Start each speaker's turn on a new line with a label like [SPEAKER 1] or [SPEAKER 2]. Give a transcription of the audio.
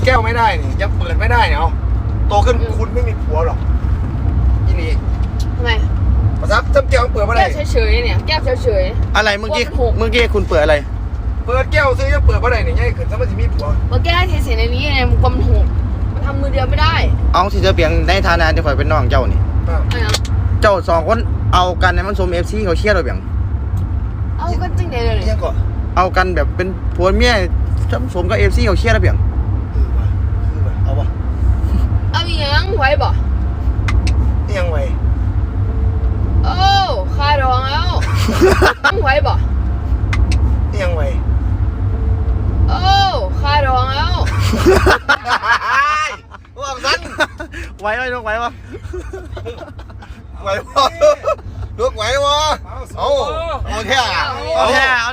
[SPEAKER 1] แก้วไม่ได้นี่ยังเปิดไม่ได้เนี่ยเอาโตขึ้นคุณไม่มีผัวหรอกอีนี่
[SPEAKER 2] ทำไม
[SPEAKER 1] ภาษาจำแก้วเปิดไม่ได้
[SPEAKER 2] แก้วเฉยๆเนี่ยแก้วเฉย
[SPEAKER 3] อะไรเมื่อกี้คุณเปิดอะไร
[SPEAKER 1] เปิดแก้วซื้อยังเปิดไม่ได้เนี่ยยังขึ้นสมัยที่มีผัว
[SPEAKER 2] ๆมาแก้เทในนี้ไงมันกลมหกมันทำมือเดียวไม่ได้
[SPEAKER 3] เอาที่จะเปลี่ยนในฐานะที่ข่อยเป็นน้องเจ้านี่
[SPEAKER 2] อะไรนะ
[SPEAKER 3] เจ้า2คนเอากันในมันสม FC เขาเชียร์เราเปล่า
[SPEAKER 2] เอากันจริงเลยเลย
[SPEAKER 1] ยังก่อน
[SPEAKER 3] เอากันแบบเป็นผัวเมียสมกับ FC เขาเชียร์เราเปล่า
[SPEAKER 1] เอาวะ
[SPEAKER 2] เอาอีหยังไว้บ่
[SPEAKER 1] ยังไง
[SPEAKER 2] โอ้คาดองแล้วไว้บ่
[SPEAKER 1] ยังไง
[SPEAKER 2] โอ้คาดองแล้ว
[SPEAKER 1] ว่าสั้น
[SPEAKER 3] ไหวไหมลูกไหววะ
[SPEAKER 1] ไหววะลูกไหววะเอาแท้
[SPEAKER 3] เอาแท้เอา